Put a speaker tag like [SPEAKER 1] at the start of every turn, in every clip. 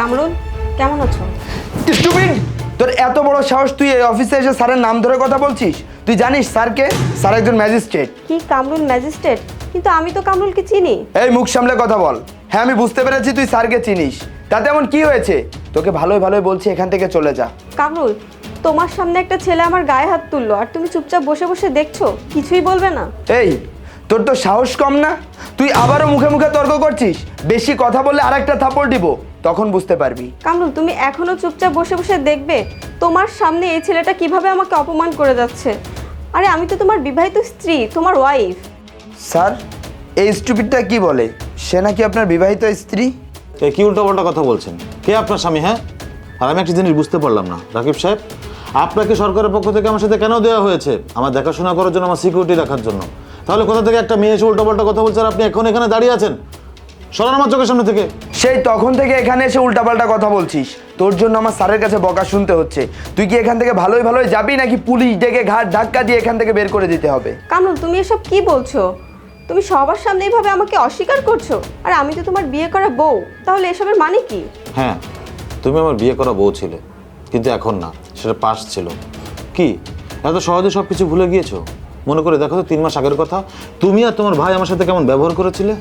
[SPEAKER 1] কামরুল, কেমন আছো?
[SPEAKER 2] স্টুপিড! তোর এত বড় সাহস, তুই এই অফিসে এসে স্যারের নাম ধরে কথা বলছিস? তুই জানিস স্যারকে? স্যার একজন ম্যাজিস্ট্রেট।
[SPEAKER 1] কি কামরুল ম্যাজিস্ট্রেট? কিন্তু আমি তো কামরুলকে চিনি।
[SPEAKER 2] এই মুখ সামলে কথা বল। হ্যাঁ, আমি বুঝতে পেরেছি তুই স্যারকে চিনিস। তাতে এমন কি হয়েছে? তোকে ভালোই ভালোই বলছি এখান থেকে চলে যা।
[SPEAKER 1] কামরুল, তোমার সামনে একটা ছেলে আমার গায়ে হাত তুললো আর তুমি চুপচাপ বসে বসে দেখছো, কিছুই বলবে না?
[SPEAKER 2] এই, তোর তো সাহস কম না? তুই আবারও মুখে মুখে তর্ক করছিস। বেশি কথা বললে আরেকটা থাপড় দিব, তখন বুঝতে পারবি।
[SPEAKER 1] কামরুল, তুমি এখনো চুপচাপ বসে বসে দেখবে তোমার সামনে এই ছেলেটা কিভাবে আমাকে অপমান করে যাচ্ছে? আরে আমি তো তোমার বিবাহিত স্ত্রী, তোমার ওয়াইফ।
[SPEAKER 2] স্যার, এই স্টুপিডটা কি বলে? সে নাকি আপনার বিবাহিত স্ত্রী?
[SPEAKER 3] কি উল্টোপাল্টা কথা বলছেন? কে আপনার স্বামী? হ্যাঁ, আর আমি একটা জিনিস বুঝতে পারলাম না রাকিব সাহেব, আপনাকে সরকারের পক্ষ থেকে আমার সাথে কেন দেওয়া হয়েছে? আমার দেখাশোনা করার জন্য, আমার সিকিউরিটি রাখার জন্য। তাহলে কোথা থেকে একটা মেয়ে এসে উল্টোপাল্টা কথা বলছে আর আপনি এখন এখানে দাঁড়িয়ে আছেন? সরান আমার চোখের সামনে থেকে।
[SPEAKER 2] সেই তখন থেকে এখানে এসে উল্টাপাল্টা কথা বলছিস। তোর জন্য আমার স্যারের কাছে বকা শুনতে হচ্ছে। তুই কি এখান থেকে ভালোই ভালোই যাবি, নাকি পুলিশ ডেকে ঘাট ধাক্কা দিয়ে এখান থেকে বের করে দিতে হবে?
[SPEAKER 1] কামরুল, তুমি এসব কি বলছো? তুমি সবার সামনে এইভাবে আমাকে অস্বীকার করছো। আর আমি তো তোমার বিয়ে করা বউ, তাহলে এসবের মানে কি?
[SPEAKER 3] হ্যাঁ, তুমি আমার বিয়ে করা বউ ছিলে, কিন্তু এখন না, সেটা পাস ছিল। কি এত সহজে সব কিছু ভুলে গিয়েছো? মনে করে দেখো তো 3 মাস আগের কথা, তুমি আর তোমার ভাই আমার সাথে কেমন ব্যবহার করেছিলে।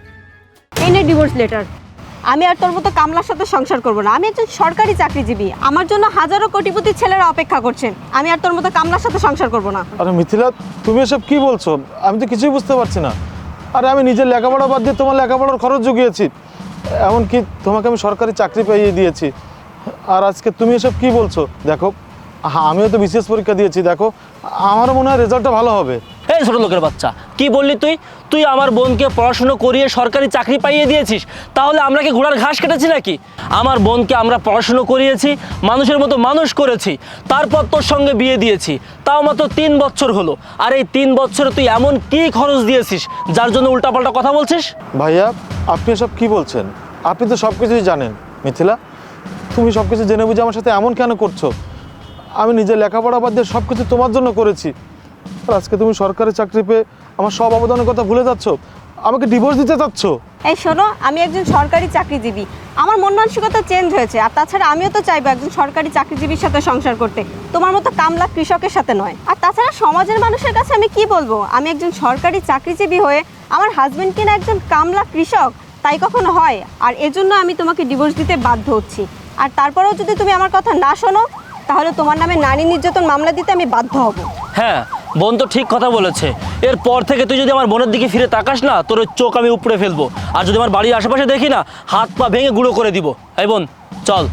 [SPEAKER 1] এই নে ডিভোর্স লেটার। আমি আর তোর মতো কামলার সাথে সংসার করব না। আমি একজন সরকারি চাকরিজীবী, আমার জন্য হাজারো কোটিপতি ছেলেরা অপেক্ষা করছেন। আমি আর তোর মতো কামলার সাথে সংসার করব না।
[SPEAKER 3] আরে মিথিলা, তুমি এসব কি বলছো? আমি তো কিছুই বুঝতে পারছি না। আরে আমি নিজের লেখাপড়া বাদ দিয়ে তোমার লেখাপড়ার খরচ জুগিয়েছি, এমনকি তোমাকে আমি সরকারি চাকরি পাইয়ে দিয়েছি, আর আজকে তুমি এসব কি বলছো? দেখো, আমিও তো বিসিএস পরীক্ষা দিয়েছি, দেখো আমারও মনে হয় রেজাল্টটা ভালো হবে।
[SPEAKER 4] এই ছোট লোকের বাচ্চা, কি বললি তুই? তুই আমার বোনকে পড়াশুনো করিয়ে সরকারি চাকরি পাইয়ে দিয়েছিস, তাহলে আমরা কি ঘোড়ার ঘাস কেটেছি নাকি? আমার বোনকে আমরা পড়াশুনো করিয়েছি, মানুষের মতো মানুষ করেছি, তারপর তোর সঙ্গে বিয়ে দিয়েছি, তাও মাত্র 3 বছর হলো। আর এই 3 বছরে তুই এমন কি খরচ দিয়েছিস যার জন্য উল্টাপাল্টা কথা বলছিস?
[SPEAKER 3] ভাইয়া, আপনি এসব কি বলছেন? আপনি তো সব কিছুই জানেন। মিথিলা, তুমি সব কিছু জেনে বুঝে আমার সাথে এমন কেন করছো? আমি নিজের লেখাপড়া বাদ দিয়ে সব কিছু তোমার জন্য করেছি, আর আজকে তুমি সরকারি চাকরি পেয়ে আমার সব অবদানের কথা ভুলে যাচ্ছ, আমাকে ডিভোর্স দিতে চাচ্ছ।
[SPEAKER 1] এই শোনো, আমি একজন সরকারি চাকরিজীবী, আমার মন মানসিকতা চেঞ্জ হয়েছে। আর তাছাড়া আমিও তো চাইবো একজন সরকারি চাকরিজীবীর সাথে সংসার করতে, তোমার মতো কামলা কৃষকের সাথে নয়। আর তাছাড়া সমাজের মানুষের কাছে আমি কি বলবো? আমি একজন সরকারি চাকরিজীবী হয়ে আমার হাজবেন্ড কিনা একজন কামলা কৃষক, তাই কখনো হয়? আর এজন্য আমি তোমাকে ডিভোর্স দিতে বাধ্য হচ্ছি। আর তারপরেও যদি তুমি আমার কথা না শোনো, তাহলে তোমার নামে নারী নির্যাতন মামলা দিতে আমি বাধ্য হব।
[SPEAKER 4] হ্যাঁ, বোন তো ঠিক কথা বলেছে। এরপর থেকে তুই যদি আমার বোনের দিকে ফিরে তাকাস না, তোর চোখ আমি উপড়ে ফেলবো। আর যদি আমার বাড়ির আশেপাশে দেখি না, হাত পা ভেঙে গুঁড়ো করে দিব। এই বোন, চল।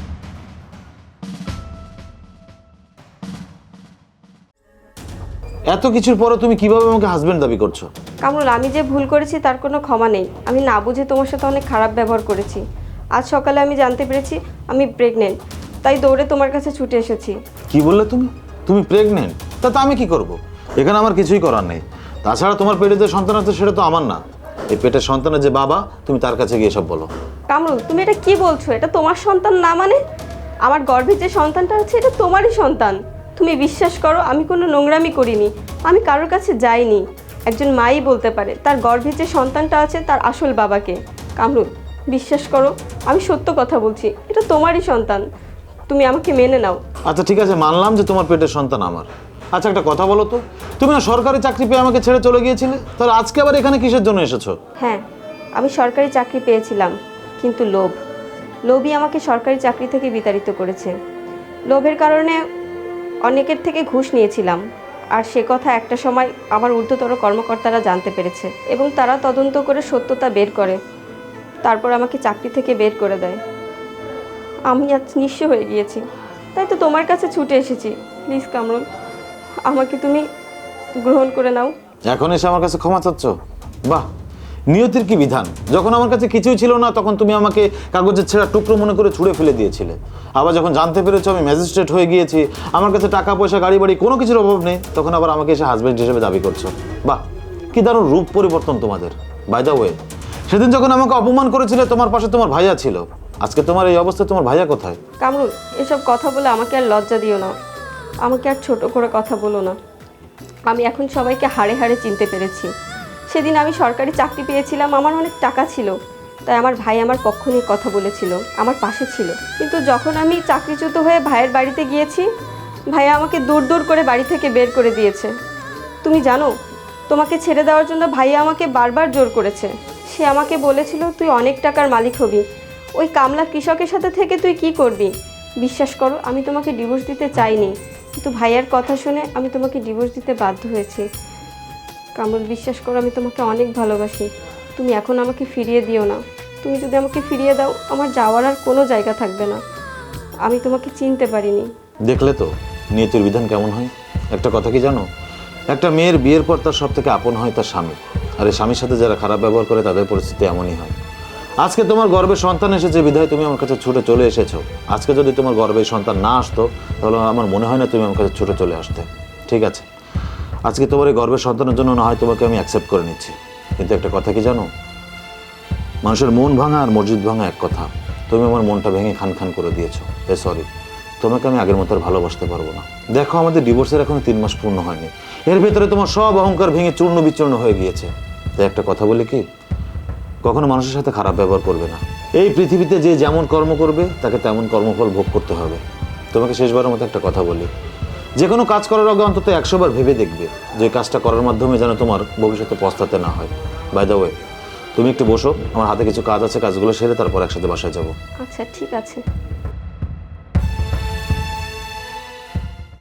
[SPEAKER 3] এত কিছুর পরে তুমি কিভাবে আমাকে হাজবেন্ড দাবি করছো?
[SPEAKER 1] কামরুল, আমি যে ভুল করেছি তার কোনো ক্ষমা নেই। আমি না বুঝে তোমার সাথে অনেক খারাপ ব্যবহার করেছি। আজ সকালে আমি জানতে পেরেছি আমি প্রেগনেন্ট, তাই দৌড়ে তোমার কাছে ছুটে এসেছি।
[SPEAKER 3] কি বললে তুমি? তুমি প্রেগনেন্ট? তা আমি কি করব? এখানে আমার কিছুই করার নেই। তাছাড়া তোমার পেটে যে সন্তান আছে সেটা তো আমার না। এই পেটের সন্তানের যে বাবা, তুমি তার কাছে গিয়ে সব বলো।
[SPEAKER 1] কামরুল, তুমি এটা কি বলছো? এটা তোমার সন্তান না মানে? আমার গর্ভে যে সন্তানটা আছে এটা তোমারই সন্তান। তুমি বিশ্বাস করো, আমি কোনো নোংরামি করিনি, আমি কারোর কাছে যাইনি। একজন মাই বলতে পারে তার গর্ভে যে সন্তানটা আছে তার আসল বাবাকে। কামরুল, বিশ্বাস করো, আমি সত্য কথা বলছি, এটা তোমারই সন্তান। তুমি আমাকে মেনে নাও।
[SPEAKER 3] আচ্ছা ঠিক আছে, মানলাম যে তোমার পেটের সন্তান আমার। আচ্ছা একটা কথা বলো তো, তুমি না সরকারি চাকরি পেয়ে আমাকে ছেড়ে চলে গিয়েছিলে, তাহলে আজকে আবার এখানে কিসের জন্য এসেছো?
[SPEAKER 1] হ্যাঁ, আমি সরকারি চাকরি পেয়েছিলাম, কিন্তু লোভই আমাকে সরকারি চাকরি থেকে বিতাড়িত করেছে। লোভের কারণে অনেকের থেকে ঘুষ নিয়েছিলাম, আর সে কথা একটা সময় আমার ঊর্ধ্বতর কর্মকর্তারা জানতে পেরেছে এবং তারা তদন্ত করে সত্যতা বের করে, তারপর আমাকে চাকরি থেকে বের করে দেয়। আমি আজ নিঃস্ব হয়ে গিয়েছি, তাই তো তোমার কাছে ছুটে এসেছি। প্লিজ কামরুল, আমাকে তুমি গ্রহণ করে নাও।
[SPEAKER 3] এখন এসে আমার কাছে ক্ষমা চাচ্ছ? বাহ, নিয়তির কি বিধান! যখন আমার কাছে কিছুই ছিল না তখন তুমি আমাকে কাগজের ছেঁড়া টুকরো মনে করে ছুঁড়ে ফেলে দিয়েছিলে। আবার যখন জানতে পেরেছো আমি ম্যাজিস্ট্রেট হয়ে গিয়েছি, আমার কাছে টাকা পয়সা গাড়ি বাড়ি কোনো কিছুর অভাব নেই, তখন আবার আমাকে এসে হাজবেন্ড হিসেবে দাবি করছো। বাহ, কি দারুণ রূপ পরিবর্তন তোমাদের। বাই দ্য ওয়ে, সেদিন যখন আমাকে অপমান করেছিলে তোমার পাশে তোমার ভাইয়া ছিল, আজকে তোমার এই অবস্থায় তোমার ভাইয়া কোথায়?
[SPEAKER 1] কামরুল, এসব কথা বলে আমাকে আর লজ্জা দিও না, আমাকে আর ছোট করে কথা বলো না। আমি এখন সবাইকে হাড়ে হাড়ে চিনতে পেরেছি। সেদিন আমি সরকারি চাকরি পেয়েছিলাম, আমার অনেক টাকা ছিল, তাই আমার ভাই আমার পক্ষ নিয়ে কথা বলেছিল, আমার পাশে ছিল। কিন্তু যখন আমি চাকরিচ্যুত হয়ে ভাইয়ের বাড়িতে গিয়েছি, ভাইয়া আমাকে দূর দূর করে বাড়ি থেকে বের করে দিয়েছে। তুমি জানো, তোমাকে ছেড়ে দেওয়ার জন্য ভাইয়া আমাকে বারবার জোর করেছে। সে আমাকে বলেছিল তুই অনেক টাকার মালিক হবি, ওই কামলা কৃষকের সাথে থেকে তুই কি করবি। বিশ্বাস করো, আমি তোমাকে ডিভোর্স দিতে চাইনি, কিন্তু ভাইয়ার কথা শুনে আমি তোমাকে ডিভোর্স দিতে বাধ্য হয়েছি। কামরুল, বিশ্বাস করো, আমি তোমাকে অনেক ভালোবাসি। তুমি এখন আমাকে ফিরিয়ে দিও না। তুমি যদি আমাকে ফিরিয়ে দাও, আমার যাওয়ার আর কোনো জায়গা থাকবে না। আমি তোমাকে চিনতে পারিনি।
[SPEAKER 3] দেখলে তো নিয়তির বিধান কেমন হয়। একটা কথা কি জানো, একটা মেয়ের বিয়ের পর তার সব থেকে আপন হয় তার স্বামী, আর এই স্বামীর সাথে যারা খারাপ ব্যবহার করে তাদের পরিস্থিতি এমনই হয়। আজকে তোমার গর্ভে সন্তান এসেছে বিধায় তুমি আমার কাছে ছুটে চলে এসেছো। আজকে যদি তোমার গর্ভে সন্তান না আসতো, তাহলে আমার মনে হয় না তুমি আমার কাছে ছুটে চলে আসতে। ঠিক আছে, আজকে তোমার এই গর্ভের সন্তানের জন্য না হয় তোমাকে আমি অ্যাকসেপ্ট করে নিচ্ছি, কিন্তু একটা কথা কি জানো, মানুষের মন ভাঙা আর মসজিদ ভাঙা এক কথা। তুমি আমার মনটা ভেঙে খান খান করে দিয়েছো, তাই সরি। তোমাকে আমি আগের মতো আর ভালোবাসতে পারবো না। দেখো, আমাদের ডিভোর্সের এখনো 3 মাস পূর্ণ হয়নি, এর ভেতরে তোমার সব অহংকার ভেঙে চূর্ণ বিচূর্ণ হয়ে গিয়েছে। তাই একটা কথা বলি কি, কখনো মানুষের সাথে খারাপ ব্যবহার করবে না। এই পৃথিবীতে যে যেমন কর্ম করবে তাকে তেমন কর্মফল ভোগ করতে হবে। তোমাকে শেষবারের মতো একটা কথা বলি, যে কোনো কাজ করার আগে অন্তত 100 বার ভেবে দেখবে যে কাজটা করার মাধ্যমে যেন তোমার ভবিষ্যতে পস্তাতে না হয়। বাই দ্য ওয়ে, তুমি একটু বসো, আমার হাতে কিছু কাজ আছে, কাজগুলো সেরে তারপর একসাথে বাসায় যাবো।
[SPEAKER 1] আচ্ছা, ঠিক আছে।